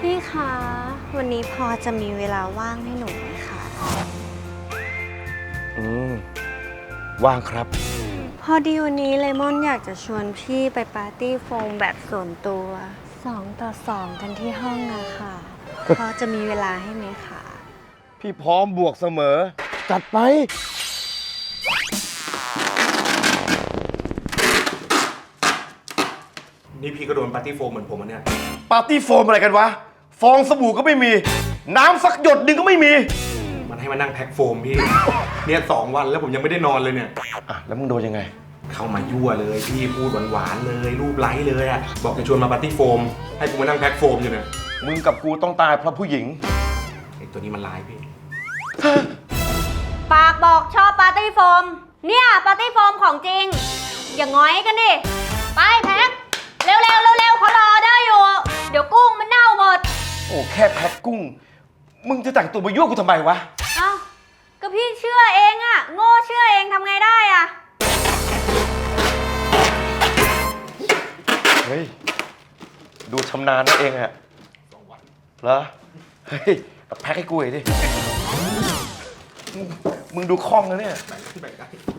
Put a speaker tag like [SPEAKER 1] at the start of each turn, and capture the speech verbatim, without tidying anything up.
[SPEAKER 1] พี่คะวันนี้พอจะมีเวลาว่างให้หนูไหมคะ
[SPEAKER 2] อืมว่างครับ
[SPEAKER 1] พอดีวันนี้เลมอนอยากจะชวนพี่ไปปาร์ตี้โฟมแบบส่วนตัวสองต่อสองกันที่ห้องอะค่ะ พอจะมีเวลาให้ไหมคะ
[SPEAKER 2] พี่พร้อมบวกเสมอ จัดไป
[SPEAKER 3] นี่พี่ก็โดนปาร์ตี้โฟมเหมือนผมอันเนี่ย
[SPEAKER 2] ปาร์ตี้โฟมอะไรกันวะ ฟองสบู่ก็ไม่มี น้ำสักหยดหนึ่งก็ไม่มี
[SPEAKER 3] มันให้มานั่งแพ็คโฟมพี่ เนี่ยสองวันแล้วผมยังไม่ได้นอนเลยเนี่ย
[SPEAKER 2] อ่ะ แล้วมึงโดนยังไง
[SPEAKER 3] เข้ามายั่วเลยพี่พูดหวานๆเลยรูปไล้เลยอะบอกจะชวนมาปาร์ตี้โฟมให้กูมานั่งแพ็คโฟมอยู่เนี่ย
[SPEAKER 2] มึงกับกูต้องตายเพราะผู้หญิง
[SPEAKER 3] ไอ้ตัวนี้มันร้ายพี่
[SPEAKER 4] ปากบอกชอบปาร์ตี้โฟมเนี่ยปาร์ตี้โฟมของจริง อย่างง้อยกันดิไปแพ็คเร็วๆเร็วๆเขารอได้อยู่ เดี๋ยวกุ้งมันเน่าหมด
[SPEAKER 2] โอ้แค่แพ็คกุ้ง มึงจะแต่งตัวมายั่วกูทำไมวะ
[SPEAKER 4] เอ้าก็พี่เชื่อเองอะโง่เชื่อเองทำไงได้อะ
[SPEAKER 2] เฮ้ย ดูชำนาญนั่นเองอะเหรอ เฮ้ยแพ็คให้กูหน่อยดิ มึงมึงดูคล่องนะเนี่ย
[SPEAKER 3] แบ่งได้